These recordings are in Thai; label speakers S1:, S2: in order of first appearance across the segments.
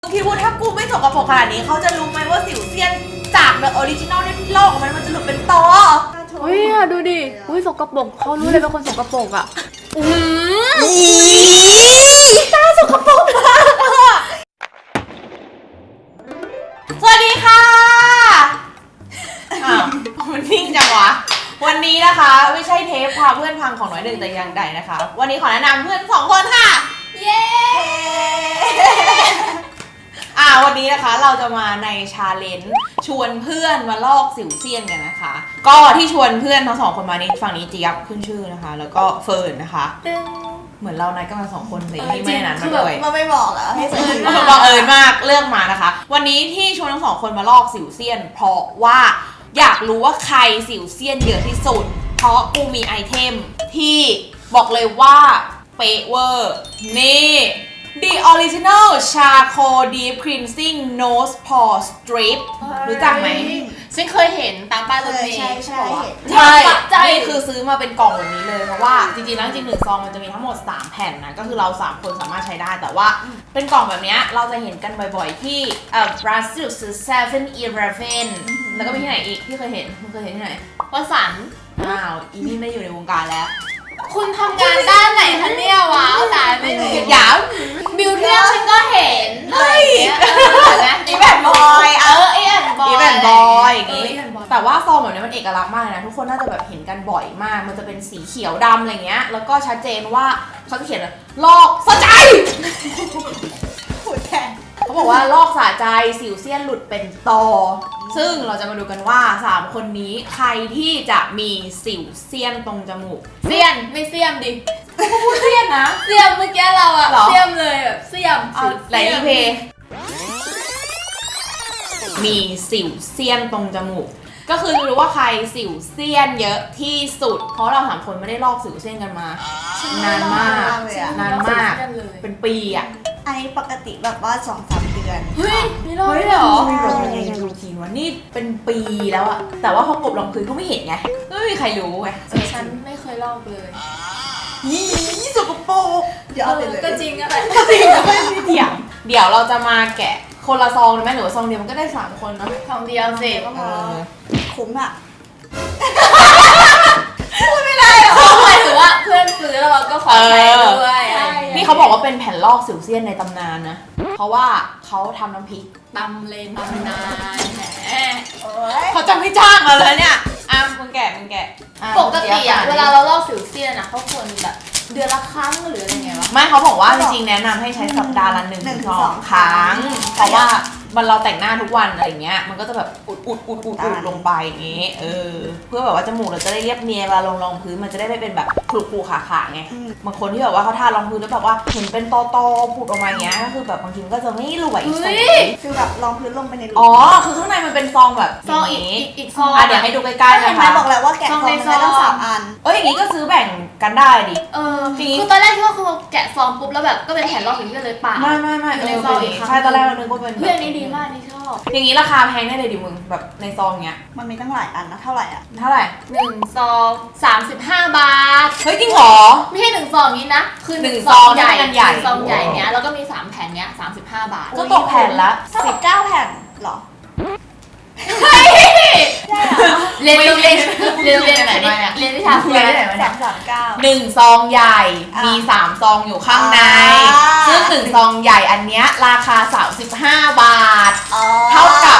S1: คิดว่าถ้ากูไม่สกปรกขนาดนี้เขาจะรู้ไหมว่าสิวเซียนจากเดอะออริจินอลที่โลกมันจะหลุดเป็นตอ
S2: อุ้ยดูดิอุ้ยสกปรกเขารู้เลยเป็นคนสกปรกอ่ะ
S1: ตาสกปรกมากสวัสดีค่ะอ้าวมันนิ่งจังวะวันนี้นะคะไม่ใช่เทปพาเพื่อนพังของน้อยหนึ่งแต่อย่างใดนะคะวันนี้ขอแนะนำเพื่อน2 คนค่ะเย้วันนี้นะคะเราจะมาในชาเลนจ์ชวนเพื่อนมาลอกสิวเซียนกันนะคะก็ที่ชวนเพื่อนทั้ง2 คนมานี้ฝั่งนี้เจี๊ยบขึ้นชื่อนะคะแล้วก็เฟิร์นนะคะเหมือนเรานัดกันมา2 คนเลยที่ไม่นั้นมาด้วย
S3: มาไม่บอกอะให้เฟิร์น
S1: บังเอิญมากเลือกมานะคะวันนี้ที่ชวนทั้ง2 คนมาลอกสิวเซียนเพราะว่าอยากรู้ว่าใครสิวเซียนเยอะที่สุดเพราะกูมีไอเทมที่บอกเลยว่าเป๊ะเวอร์นี่ The Original Charcoal Deep Cleansing Nose Pore Strip รู้จักไหม
S2: ฉันเคยเห็นตามป้ายรถเมล์
S1: ใช่นี่คือซื้อมาเป็นกล่องแบบนี้เลยเพราะว่าจริงๆแล้วจริง1 ซองมันจะมีทั้งหมด3 แผ่นนะก็คือเรา3 คนสามารถใช้ได้แต่ว่าเป็นกล่องแบบนี้เราจะเห็นกันบ่อยๆที่Brazil 7-Eleven แล้วก็มีที่ไหนอีกที่เคยเห็นมึงเคยเห็นที่ไหน
S2: วสันต์
S1: อีนี่ไม่อยู่ในวงการแล้ว
S2: คุณทำงานด้านไหนคะเนี่ยว้าวตายไม่รู้
S1: ยาว
S2: บิวเทียฉันก็เห็นเฮ้ย
S1: อีแบนบอย
S2: อีแบน
S1: บอยอย่างงี้แต่ว่าซองแบบนี้มันเอกลักษณ์มากนะทุกคนน่าจะแบบเห็นกันบ่อยมากมันจะเป็นสีเขียวดำอะไรเงี้ยแล้วก็ชัดเจนว่าเขาจะเขียนลอกสะใจ
S3: ขุดแทน
S1: เขาบอกว่าลอกสะใจสิวเซียนหลุดเป็นตอซึ่งเราจะมาดูกันว่า3 คนนี้ใครที่จะมีสิวเซียนตรงจมูก
S2: เซียนไม่เซียมดิ
S1: พูดเซียนนะ
S2: เซียมเมื่อกี้เราอะเซียมเลยแบบเซียม
S1: ไหลรีเพย์มีสิวเซียนตรงจมูกก็คือรู้ว่าใครสิวเซียนเยอะที่สุดเพราะเรา3 คนไม่ได้ลอกสิวเซียนกันมานานมากเป็นปีอะ
S3: อันนี้ปกติแบบว่า 2-3 เดือน
S2: เฮ้ยมีรอยเหรอ
S1: มีรอยในรูทีนวะนี่เป็นปีแล้วอะแต่ว่าพอกบลงพื้นก็ไม่เห็นไงไม่มีใครรู้ไง
S2: ฉันไม่เคยลอกเลย
S1: สกปรก
S3: เดี๋ยวเอาไปเลย
S2: ก็จริงอะไร
S1: ก็จริงไม่มีเดี๋ยวเราจะมาแกะคนละซองได้ไหมหรือว่าซองเดียวมันก็ได้3 คนนะ
S2: ซองเดียวเสร็จ
S3: ก็พอคุ้มอะ
S1: พูดไม่ได้หรอ
S2: หมายถึงว่าเพื่อนซื้อแล้วเราก็ขอใช้ด้วย
S1: นี่เขาบอกว่าเป็นแผ่นลอกสิวเซียนในตำนานนะเพราะว่าเขาทำน้ำพริก
S2: ตำเลนตำนานแหม
S1: เขาจะไม่จ้างเราเลยเนี่ยมึงแกะ
S2: ปกติอะเวลาเราลอกสิวเซียนอะเขาควรแบบเดือนละครั้งหรืออะไรเงี้ยวะ
S1: ไม่เขาบอกว่าจริงๆแนะนำให้ใช้สัปดาห์ละ1-2 ครั้งเพราะว่าเราแต่งหน้าทุกวันอะไรเงี้ยมันก็จะแบบอุดลงไปอย่างงี้เพื่อแบบว่าจมูกเราจะได้เรียบเนียนเวลาลงพื้นมันจะได้ไม่เป็นแบบขรุขาไงบางคนที่แบบว่าเขาทารองพื้นแล้วแบบว่าเห็นเป็นตอผุดออกมาอย่างเงี้ยก็คือแบบบางทีมันก็จะไม่รวย
S3: คือแบบรองพื้นลงไปในรู
S1: คือข้างในมันเป็นซองแบบ
S2: ซองอีกซอง
S1: เดี๋ยวให้ดูใกล้ๆนะคะ
S3: บอกแล้วว่าแกะซองได้ตั้ง3 อัน
S1: อย่างงี้ก็ซื้อแบ่งกันได้ดิ
S2: คือตอนแรกที่ว่าคือแกะซองปุ๊บแล้วแบบก็เป็นแผ่นลอกอย่างนี้เลยป่ะ
S1: ไม่
S2: ในซองอีก
S1: ใช่ตอนแรกเรานึกว่าเป็น
S2: เพื่อนนี้ดีมากนี่ชอบ
S1: อย่างนี้ราคาแพงแน่เลยดิมึงแบบในซองเงี้ย
S3: มันมีตั้งหลายอันนะเท่าไหร่
S2: 1 ซอง35 บาท
S1: เฮ้ยจริงเหรอ
S2: ไม่ใช่1 ซองนี้นะคือ
S1: 1 ซองใหญ่
S2: ซองใหญ่เนี้ยแล้วก็มี3 แผ่นเนี้ย35 บาท
S1: ก็ตกแผ่นละ
S3: 19 แผ่นหรอ
S2: เรียนวิชาคุยได้ไหนวะเนี่ย
S1: 1 ซองใหญ่มี3 ซองอยู่ข้างในซึ่ง1 ซองใหญ่อันเนี้ยราคา35 บาทเท่ากับ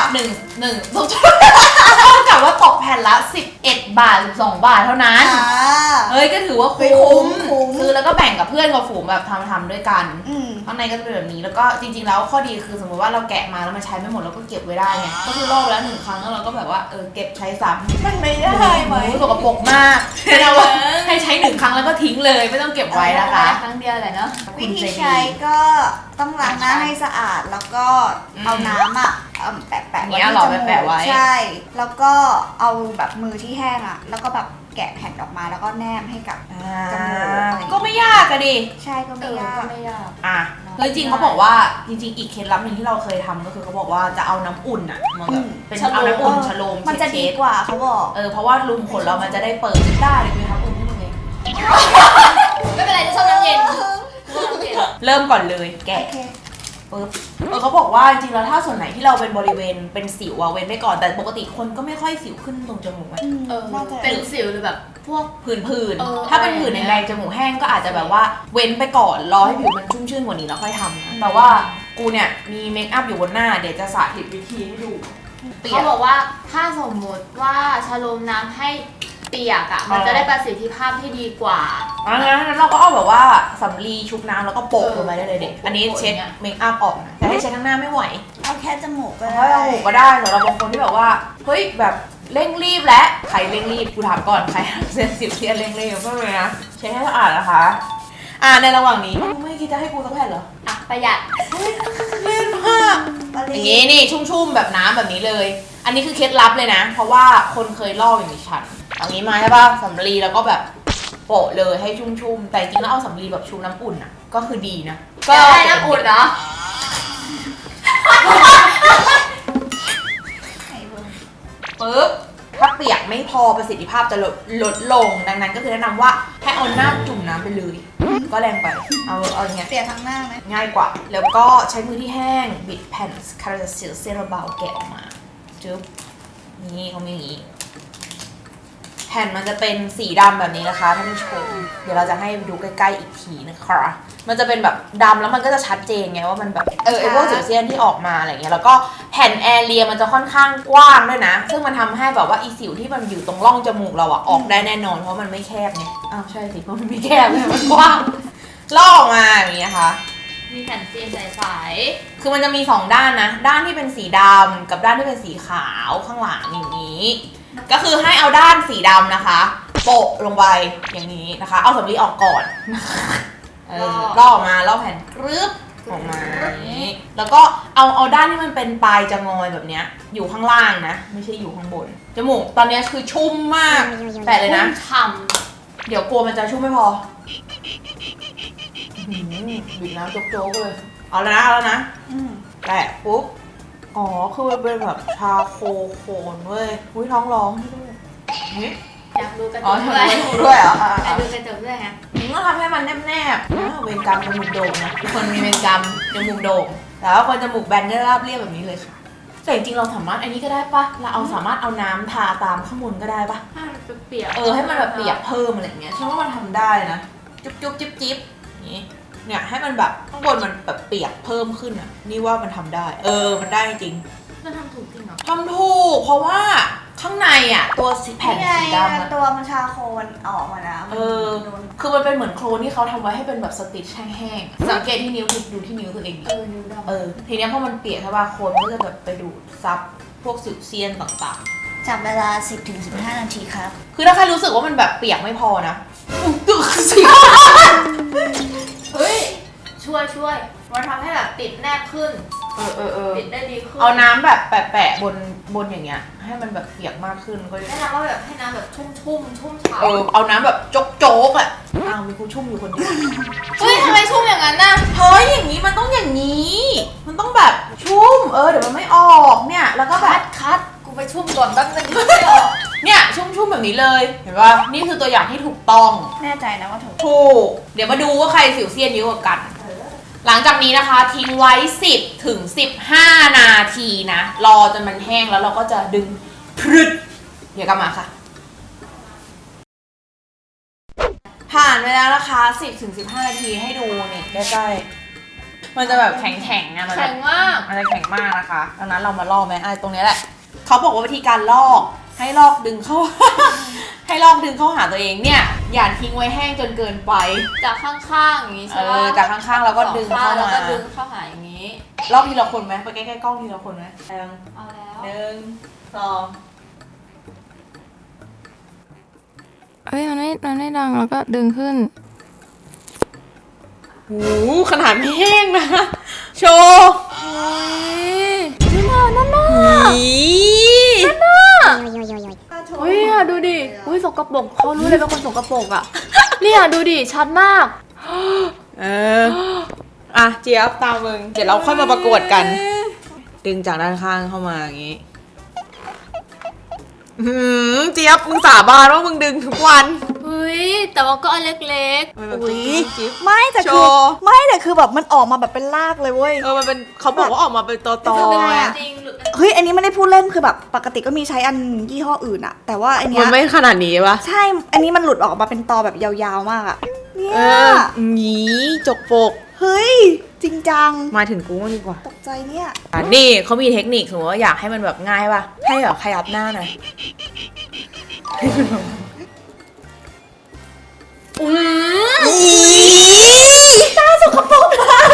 S1: เท่ากับว่าตกแผ่นละ11 บาท12 บาทเท่านั้นก็ถือว่าคุ้มซื้อแล้วก็แบ่งกับเพื่อนกับฝูงแบบทำด้วยกันข้างในก็จะเป็นแบบนี้แล้วก็จริงๆแล้วข้อดีคือสมมติว่าเราแกะมาแล้วมันใช้ไม่หมดเราก็เก็บไว้ได้ไงก็คือลอกแล้ว1 ครั้งแล้วเราก็แบบว่าเก็บใช้ซ้ำ
S3: มันไม่ได้ไหม
S1: สกปรกมากให้ใช้1 ครั้งแล้วก็ทิ้งเลยไม่ต้องเก็บไว้นะคะ
S2: ครั้งเดียวแหละเนาะ
S3: วิธีใช้ก็ต้องล้างหน้าให้สะอาดแล้วก็เอาน้ำแปะไว้ที่จมูกใช่แล้วก็เอาแบบมือที่แห้งแล้วก็แบบแกะแผ่นออกมาแล้วก็แนมให้กับจมูก
S1: ก็ไม่ยากอะดิ
S3: ใช่ก็ไม่ยาก
S1: จริงเขาบอกว่าจริงๆอีกเคล็ดลับหนึ่งที่เราเคยทำก็คือเขาบอกว่าจะเอาน้ำอุ่นมาแบบเป็นเอาน้ำอุ่นชโลม
S3: มันจะดีกว่าเขาบอก
S1: เพราะว่ารูขุมขนเรามันจะได้เปิดได้หรือมีน้ำอุ่นให้มึงเอง
S2: ไม่เป็นไรจะชอบน้ำเย็น
S1: เริ่มก่อนเลยแกะปึ๊บเขาบอกว่าจริงๆแล้วถ้าส่วนไหนที่เราเป็นบริเวณเป็นสิวเว้นไปก่อนแต่ปกติคนก็ไม่ค่อยสิวขึ้นตรงจมูกไหม
S3: น่าจะ
S2: เป็นสิวหรือแบบพวก
S1: ผื่น
S2: เออ
S1: ๆถ้าเป็นผื่นแดงๆจมูกแห้งก็อาจจะแบบว่าเว้นไปก่อนรอให้ผิวมันชุ่มชื่นกว่านี้แล้วค่อยทำนะแต่ว่ากูเนี่ยมีเมคอัพอยู่บนหน้าเดี๋ยวจะสาธิตวิธีให้ดูเปีย
S2: เขา
S1: ก
S2: บอกว่าถ้าสมมติว่าชะโลมน้ำให้เปียกมันจะได้ประสิทธิภาพที่ดีกว่า
S1: งั้นเราก็เอาแบบว่าสำลีชุบน้ำแล้วก็โปะลงไปได้เลยเด็ก
S2: โปะ
S1: อันนี้เช็ด
S2: อย่างเงี้ย
S1: เมคอัพออกนะแต่ให้เช็ดทั้งหน้าไม่ไหว
S3: เอาแค่จมูกก็
S1: เพราะ
S3: ได้
S1: เราหูก็ได้สำหรับบางคนที่แบบว่าเฮ้ยแบบเร่งรีบและใครเร่งรีบกูถามก่อนใครเซนสิวเทียนเร่งรีบก็เลยนะเช็ดให้สะอาดนะคะในระหว่างนี้ไม่คิดจะให้กูสักแผ่นเหรอ
S2: ประหยัด
S1: เล่นมาก
S3: ป
S1: อ
S3: รี
S1: ย่างนี้นี่ชุ่มๆแบบน้ำแบบนี้เลย อันนี้คือเคล็ดลับเลยนะ เพราะว่าคนเคยลอกอย่างดิฉันเอางี้มาใช่ป่ะสำลีแล้วก็แบบโปะเลยให้ชุ่มๆแต่จริงๆแล้วเอาสำลีแบบชุบน้ำอุ่นอ่ะก็คือดีนะ
S2: ก็ได้น้ำอุ่นเนาะ
S1: ปึ๊บถ้าเปียกไม่พอประสิทธิภาพจะลดลงดังนั้นก็คือแนะนำว่าให้เอาหน้าจุ่มน้ำไปเลยก็แรงไปเอาอย่างเงี้ย
S3: เปียกทั้งหน้าไหม
S1: ง่ายกว่า แล้วก็ใช้มือที่แห้งบิดแผ่นคาราเซลเซราเบาแกะออกมาจึ๊บนี่เขามีอย่างนี้แผ่นมันจะเป็นสีดำแบบนี้นะคะท่านผู้ชมเดี๋ยวเราจะให้ดูใกล้ๆอีกทีนะคะมันจะเป็นแบบดำแล้วมันก็จะชัดเจนไงว่ามันแบบไอ้พวกสิวเซียนที่ออกมาอะไรเงี้ยแล้วก็แผ่นแอเรียมันจะค่อนข้างกว้างด้วยนะซึ่งมันทำให้แบบว่าอีสิวที่มันอยู่ตรงร่องจมูกเราอะออกได้แน่นอนเพราะมันไม่แคบไงอ้าวใช่สิเพราะมันไม่แคบเลยมันกว้างลอกออกมาอย่างเงี้ยค่ะ
S2: มีแผ่นซีนใส
S1: คือมันจะมี2ด้านนะด้านที่เป็นสีดำกับด้านที่เป็นสีขาวข้างหลังอย่างนี้ก็คือให้เอาด้านสีดำนะคะโปะลงไปอย่างนี้นะคะเอาสำลีออกก่อนลอกออกมาลอกแผ่นกรึบออกมาอย่างนี้แล้วก็เอาด้านที่มันเป็นปลายจะงอยแบบเนี้ยอยู่ข้างล่างนะไม่ใช่อยู่ข้างบนจมูกตอนนี้คือชุ่มมากแปะ
S2: ๆ
S1: เลยนะ
S2: ฉ่
S1: เดี๋ยวกลัวมันจะชุ่มไม่พอบีบน้ำโจ๊กๆเลยเอาแล้วนะ แตะปุ๊บ อ๋อ คือมันเป็นแบบชาโคโคนเว้ย อุ้ยท้องร้องด้วยนี่
S2: ำอยากดูกระจ
S1: อ๋อก ทำ
S2: ด้
S1: ไม
S2: วย
S1: ไม่ดูด้วยเหรอ
S2: อยากดูกระจกด้วยไง
S1: มึงต้องทำให้มันแนบๆเวรกรรมจมูกโด่งนะทุกคนมีเวรกรรมจมูกโด่งแต่ว่าคนจมูกแบนก็ราบเรียบแบบนี้เลยค่ะแต่จริงๆเราสามารถอันนี้ก็ได้ปะเราสามารถเอาน้ำทาตามข้างบนก็ได้ปะ
S2: ให้มันเปียก
S1: ให้มันแบบเปียกเพิ่มอะไรอย่างเงี้ยฉันว่ามันทำได้นะ จุ๊บจิ๊บอย่างนี้ เนี่ยให้มันแบบข้างบนมันแบบเปียกเพิ่มขึ้นอ่ะ นี่ว่ามันทำได้ มันได้จริง
S2: มันทำถูกจริงเหรอ
S1: ทำถูกเพราะว่าข้างในอ่ะตัวแผ่นสีดำอะ
S3: ตัวมันชาโคนออกมานะมันโดน
S1: คือมันเป็นเหมือนโคลนที่เขาทำไว้ให้เป็นแบบสติชแห้งๆสังเกตที่นิ้วดูที่นิ้วตัวเองดิ
S2: นิ้วดำ
S1: ทีเนี้ยพอมันเปียกใช่ป่ะโคลนมันก็จะแบบไปดูดซับพวกสิวเซียนต่าง
S3: จับเวลา 10-15 นาทีครับ
S1: ๆ คือถ้าใครรู้สึกว่ามันแบบเปียกไม่พอนะตึกสิ
S2: เฮ้ย ช่วยมันทำให้แบบติดแนบขึ้น ติดได้ดีขึ้น
S1: เอาน้ำแบบแปะบนอย่างเงี้ยให้มันแบบเปียกมากขึ้นก็
S2: แนะนำว่าแบบให้น้ำแบบชุ่มฉ่ำ
S1: เอาน้ำแบบโจ๊กๆอ่ะมีกูชุ่มอยู่คนเดียว
S2: เฮ้ยทำไมชุ่มอย่างนั้นน่ะ
S1: เฮ้ยอย่างนี้มันต้องอย่างนี้ มันต้องแบบชุ่มเดี๋ยวมันไม่ออกเนี่ยแล้วก็แบบ
S2: คัดกูไปชุ่มก่อนแป๊บนึงไม่ออก
S1: เนี่ยชุ่มแบบนี้เลยเห็นป่ะนี่คือตัวอย่างที่ถูกต้อง
S3: แน่ใจนะว่าถูก
S1: ถูกเดี๋ยวมาดูว่าใครสิวเซียนเยอะกว่ากัน หลังจากนี้นะคะทิ้งไว้ 10 ถึง 15 นาทีนะ รอจนมันแห้งแล้วเราก็จะดึงพรึดเดี๋ยวกลับมาค่ะ ผ่านไปแล้วนะคะ 10 ถึง 15 นาทีให้ดูนี่ใกล้ๆมันจะแบบแข็งๆนะมัน
S2: แข็งมาก
S1: มันจะแข็งมากนะคะดังนั้นเรามาลอกไหมตรงนี้แหละเขาบอกว่าวิธีการลอกให้ลอกดึงเข้า ให้ลอกดึงเข้าหาตัวเองเนี่ยอย่าทิ้งไว้แห้งจนเกินไป
S2: จากข้างๆอย่างนี้ใช่ไหม
S1: จากข้างๆแล้วก็ดึงเข้า
S2: แล้ว
S1: มา
S2: ก็ดึงเข้าหาอย่างนี้
S1: รอบทีละคนไหมไปใกล้ๆกล้องทีละคนไหม
S2: เอาแล้ว
S1: 1 2
S4: มันไม่ดังแล้วก็ดึงขึ้น
S1: หูขนาดไม่แห้งนะโชว์
S4: นั่นน่ะ เฮ้ยดูดิอุ้ยสกปรกเขารู้เลยเป็นคนสกปรกอ่ะ เนี่ยดูดิชัดมาก
S1: เจี๊ยบตามมึงเดี๋ยวเราค่อยมาประกวดกัน ดึงจากด้านข้างเข้ามาอย่างนี้เจี๊ยบมึงสาบานว่ามึงดึงทุกวัน
S4: เฮ้ยแต่ว่าก็อันเล็ก
S3: อุ๊ยไม่แต่คือแบบมันออกมาแบบเป็นรากเลยเว้ย
S1: มันเป็นเขาบอกว่าออกมาเป็นตอ
S3: ทำไม
S1: ๆ
S3: อะ
S1: อะ
S4: จริงหรือ
S3: เฮ้ยอันนี้ไม่ได้พูดเล่นคือแบบปกติก็มีใช้อันยี่ห้ออื่นอะแต่ว่าอันเนี้
S1: มัน
S3: ย
S1: ไม่ขนาดนี้ปะ
S3: ใช่อันนี้มันหลุดออกมาเป็นตอแบบยาวๆมากอะเนี่
S1: เอย อหนีจกปก
S3: เฮ้ยจริงจัง
S1: มาถึงกูดีกว่า
S3: ตกใจเนี่ย
S1: นี่เขามีเทคนิคสมมติว่าอยากให้มันแบบง่ายป่ะ ให้แบบขยับหน้าหน่อยตาสกปรกมาก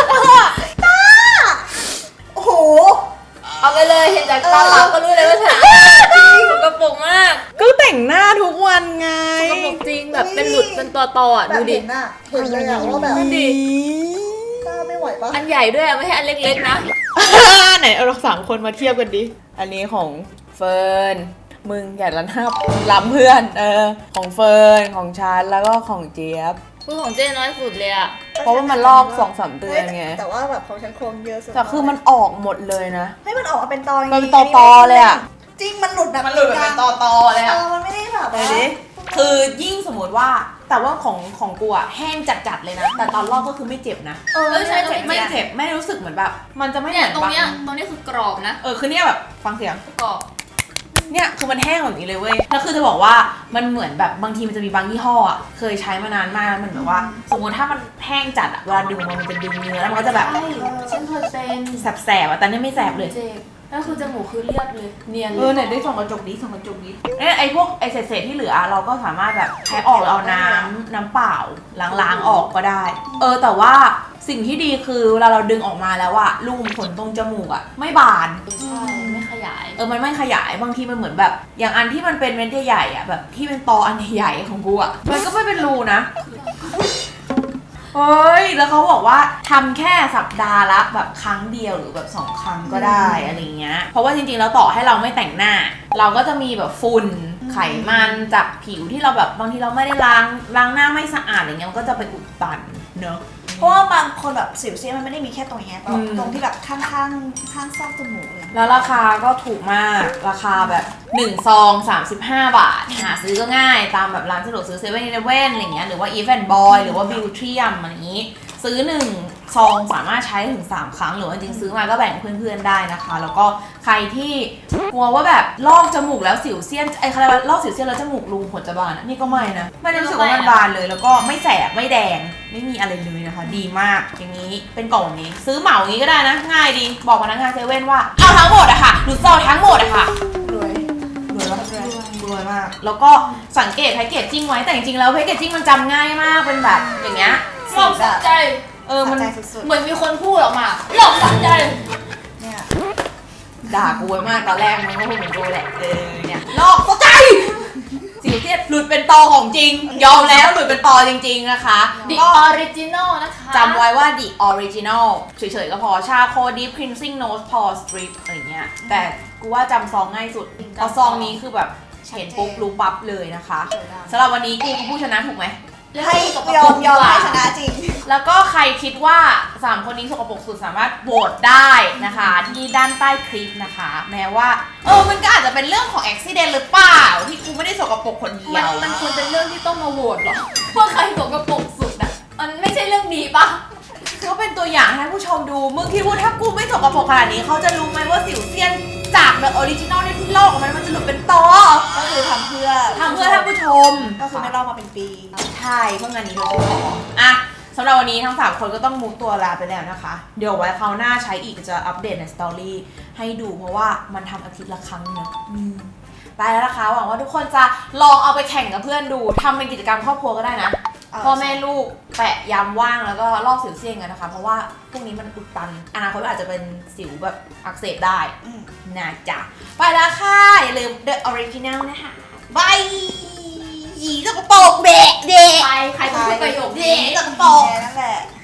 S3: โอ้โห
S4: เอาไปเลยเห็นจากตาเปล่าก็รู้เลยว่าฉันสกปรกมาก
S1: ก็แต่งหน้าทุกวันไง
S4: สกปรกจริงแบบเป็นหลุดเป็นตัวอ่ะดูดิ
S3: เห็นเลยอะว่าแบบ
S4: ดูดิ
S3: ตาไม่ไหวปะ
S4: อันใหญ่ด้วยอะไม่ใช่อันเล็กๆนะ
S1: ไหนเอาเรา3 คนมาเทียบกันดิ อันนี้ของเฟิร์น มึงอย่าล้ำเพื่อน ของเฟิร์น ของฉัน แล้วก็ของเจี๊ยบ
S4: พูดของเจ้น้อยสุดเลยอ่ะ
S1: เพราะว่ามันลอก2-3 เดือนไง
S3: แต่ว่าแบบของฉันโครงเยอะสุด
S1: แต่คือมันออกหมดเลยนะ
S3: ให้มันออกมาเป็นตอ
S1: มันเป็นตอๆเลยอะ
S3: จริงมันหลุดแบบ
S1: มันหลุดแบบเป็นตอๆเลยอะ
S3: มันไม่ได้แบบ
S1: ไปดิ คือยิ่งสมมติว่า แต่ว่าของกูอะแห้งจัดๆเลยนะ แต่ตอนลอกก็คือไม่เจ็บนะ
S3: ไม่ใช่เจ็บ
S1: ไม่เจ็บ ไม่รู้สึกเหมือนแบบ มันจะไม่เห
S4: เนี่ย
S1: มือน
S4: ตรงเนี้ย
S1: บาง
S4: ตรงเนี้ยคือกรอบนะ
S1: คือเนี่ยแบบฟังเสียง
S4: กรอบ
S1: เนี่ยคือมันแห้งแบบนี้เลยเว้ย แล้วคือจะบอกว่ามันเหมือนแบบบางทีมันจะมีบางยี่ห้ออะเคยใช้มานานมากแล้วมันแบบว่า สมมติถ้ามันแห้งจัดอะเวลาดึงมันจะดึงเนื้อแล้วมันก็จะแบบ
S4: ใช่ฉันเคยเป็น
S1: แสบๆอะแต่นี่ไม่แสบเลย
S4: เจ็บแล้วคือจมูกคือเรียบเลยเนียนเล
S1: ไหนได้ส่องกระจกดิส่องกระจกดิเนี่ยไอ้พวกไอ้เศษๆที่เหลือเราก็สามารถแบบใช้ออกหรือเอาน้ำเปล่าล้างออกก็ได้ แต่ว่าสิ่งที่ดีคือเวลาเราดึงออกมาแล้วอะรูขุมขนตรงจมูกอะไม่บาน
S4: ใช่ไม่ขยาย
S1: มันไม่ขยายบางทีมันเหมือนแบบอย่างอันที่มันเป็นเม็ดใหญ่ๆอะแบบที่เป็นตออันใหญ่ๆของกูอะมันก็ไม่เป็นรูนะเฮ้ยแล้วเขาบอกว่าทำแค่สัปดาห์ละแบบครั้งเดียวหรือแบบ2 ครั้งก็ได้อะไรเงี้ยเพราะว่าจริงๆแล้วต่อให้เราไม่แต่งหน้า เราก็จะมีแบบฝุ่นไขมันจากผิวที่เราแบบบางทีเราไม่ได้ล้างหน้าไม่สะอาดอะไรเงี้ยมันก็จะไปอุดตันเนอะ
S3: เพราะว่าบางคนแบบสิวเซียนมันไม่ได้มีแค่ตรงเนี้ย
S1: อืม
S3: ตรงที่แบบข้างซอกจมูกเลย
S1: แล้วราคาก็ถูกมากราคาแบบ1 ซอง 35 บาท หาซื้อก็ง่ายตามแบบร้านสะดวกซื้อ7-Eleven อะไรเงี้ยหรือว่า Even Boy หรือว่า Beautrium อะไรอย่างนี้ ซื้อ1 ซองสามารถใช้ถึง3 ครั้งหรือว่าจริงๆซื้อมาก็แบ่งเพื่อนๆได้นะคะ แล้วก็ใครที่กลัวว่าแบบลอกจมูกแล้วสิวเซียนเขาเรียกว่าลอกสิวเซียนแล้วจมูกรูผลจะบานอะนี่ก็ไม่นะไม่ได้รู้สึกว่ามันบานเลยแล้วก็ไม่แสบไม่แดงไม่มีอะไรเลยนะคะ ดีมากอย่างนี้เป็นกล่องแบบนี้ ซื้อเหมาอย่างนี้ก็ได้นะง่ายดีบอกพนักงานเซเว่นว่าเอาทั้งหมดอะค่ะหนูจะเอาทั้งหมดอะค่ะ
S3: รวย
S1: รวยมาก แล้วก็สังเกตแพคเกจจิ้งไว้ แต่จริงๆแล้วแพคเกจจิ้งมันจำง่ายมาก เป็นแบบอย่างเงี้ย
S4: หลอกสักใจ
S1: มัน
S3: สะใจสุด
S4: เหมือนมีคนพูดออกมาหลอกสักใจ
S3: ๆเนี่ย
S1: ด่ากูไว้มากตอนแรกมันก็คงเหมือนกูแหละ เนี่ยลอกเข้าใจสิวเทียดหลุดเป็นตอของจริง ยอมแล้วหลุดเป็นตอจริงๆนะคะ
S4: The
S1: ก็
S4: Original นะคะ
S1: จำไว้ว่า the original เฉยๆก็พอชาโค deep cleansing nose pore strip อะไรเงี้ย แต่กูว่าจำซองง่ายสุดเพราะซองนี้คือแบบเห็นปุ๊บรู้ปั๊บเลยนะคะสำหรับวันนี้กูคือผู้ชนะถูกไหม
S3: ให้ยอมให้ชนะจริง
S1: แล้วก็ใครคิดว่า 3 คนนี้สกปรกสุดสามารถโหวตได้นะคะ ที่ด้านใต้คลิปนะคะ แม้ว่ามันก็อาจจะเป็นเรื่องของอุบิเหตุหรือเปล่า ที่กูไม่ได้สกปรกคนเดียว
S4: มันควรเป็นเรื่องที่ต้องมาโหวตเหรอว่าใครสกปรกสุดอ่ะมันไม่ใช่เรื่องดีปะ
S1: ก็เป็นตัวอย่างให้ผู้ชมดูมึงคิดว่าถ้ากูไม่สกปรกขนาดนี้เขาจะรู้ไหมว่าสิวเซียนจากเดอะออริจินอลที่ลอกออกมามันจะหลุดเป็นตอ
S3: ก็คือทำเพื่อ
S1: ท่านผู้ชม
S3: ก็คือไม่รอดมาเป็นปี
S1: ใช่เพื่องานนี้โดยเฉพาะอ่ะสำหรับวันนี้ทั้ง3 คนก็ต้องมูฟตัวลาไปแล้วนะคะ เดี๋ยวไว้คราวหน้าใช้อีกจะอัปเดตในสตอรี่ให้ดูเพราะว่ามันทำอาทิตย์ละครั้งเนอะไปแล้วนะคะหวังว่าทุกคนจะลองเอาไปแข่งกับเพื่อนดูทำเป็นกิจกรรมครอบครัวก็ได้นะพ่อแม่ลูกแปะยามว่างแล้วก็ลอกสิวเซียนกันนะคะ เพราะว่าพวกนี้มันอุดตันอนาคตอาจจะเป็นสิวแบบอักเสบได้นะจ๊ะไปแล้วค่ะอย่าลืม The Original นะคะบายยีสกปรกเบะเดะ
S4: ใครพูดประโยค
S1: เด
S4: นี้
S1: ะสกปรก
S3: นั่นแหละ